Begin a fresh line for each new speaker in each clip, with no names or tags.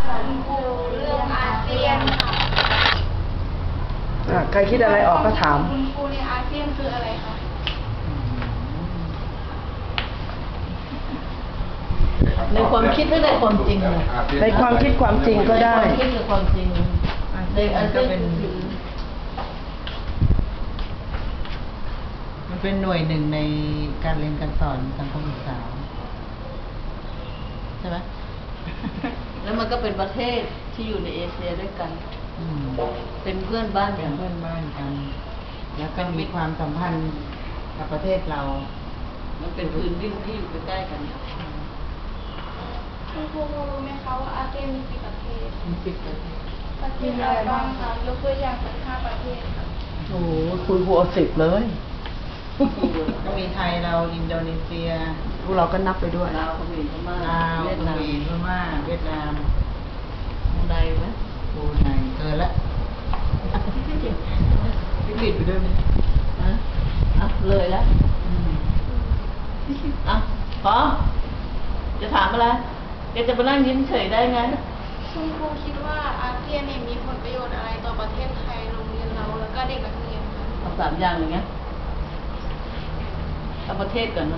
คุณครูเรื่องอาเซียนค่ะ
ใครคิดอะไรออกก็ถาม
คุณครูในอาเซียนคืออะไรคะ
ในความคิดหรือในความจริงเลย
ในความคิดความจริงก็ได้
ในความคิดหรือความจริงในอาเซียนคือ
มันเป็นหน่วยหนึ่งในการเรียนการสอนสังคมศึกษาใช่ไหม
แล้วมันก็เป็นประเทศที่อยู่ในเอเชียด้วยกัน
อืม
เป็นเพื่อนบ้าน
เป็
กัน น
เพื่อนบ้านกัน แล้วก็มีความสัมพันธ์กับประเทศเรา
มันเป็นพื้นดินที่อยู่ใกล้ๆกัน
คุณครูรู้ไหมคะว่าอาเซียนมีกี่ประเทศ
มี10 ประเทศ
ประเทศอะไรบ้างคะยกตัวอย่างสัก5 ประเทศค่ะ
โอ้โหคุณครูเอา10เลย
ก็มีไทยเราอินโดนีเซีย
พวกเราก็นับไปด้วย
ลาวเขมรพม่า
ลาว
เวียด
เข
นาม
มรพม่าเวียดนาม
ใดไหม
บรูไนเกินละผิดไปด้วยไหม
ฮะอ่ะเลยแล้ว
อืม
อ่ะพอจะถามอะไรแกจะมานั่งยิ้มเฉยได้ไง
คุณครูคิดว่าอาเซียนเนี่ยมีผลประโยชน์อะไรต่อประเทศไทยโรงเรียนเราแล้วก็เด็กนักเรียนคะ
เอา3 อย่างอย่างเงี้ยเอาประเทศก่อนนะ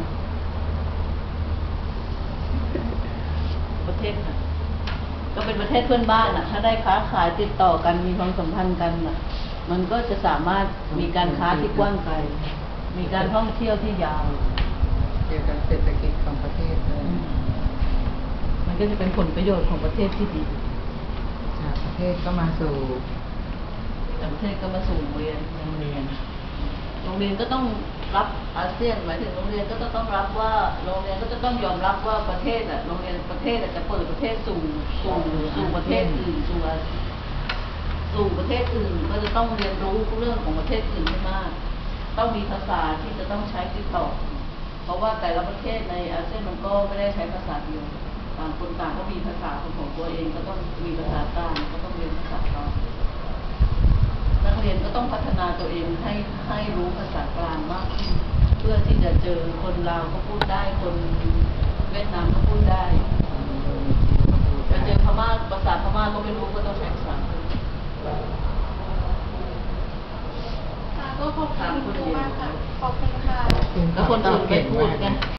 ประเทศค่ะก็เป็นประเทศเพื่อนบ้านอ่ะ ถ้าได้ค้าขายติดต่อกันมีความสัมพันธ์กันอ่ะ มันก็จะสามารถมีการค้าที่กว้างไกล มีการท่องเที่ยวที่ยาว
เกี่ยวกับเศรษฐกิจของประเทศเลย
มันก็จะเป็นผลประโยชน์ของประเทศที่ดี
จากประเทศก็มาสู่
แต่ประเทศก็มาสู่โรงเรียน
โรงเรียน
โรงเรียนก็ต้องรับอาเซียนหมายถึงโรงเรียนก็จะต้องรับว่าโรงเรียนก็จะต้องยอมรับว่าประเทศอ่ะโรงเรียนประเทศจะเปิดประเทศสู่ประเทศอื่นสู่ประเทศอื่นก็จะต้องเรียนรู้เรื่องของประเทศอื่นให้มาก ต้องมีภาษาที่จะต้องใช้ติดต่อ เพราะว่าแต่ละประเทศในอาเซียนมันก็ไม่ได้ใช้ภาษาเดียวต่างคนต่างก็มีภาษาของตัวเองก็ต้องมีภาษากลางก็ต้องเรียนภาษากลางนักเรียนก็ต้องพัฒนาตัวเองให้รู้ภาษากลางมากขึ้นเพื่อที่จะเจอคนลาวก็พูดได้คนเวียดนามก็พูดได้จะเจอพม่าภาษาพม่าก็ไม่รู้ก็ต้องใช้ภาษา
ค่ะก็ขอบคุณครูมากค่ะ ขอบคุณค่ะ
แล้วคนอื่นไม่พูดไง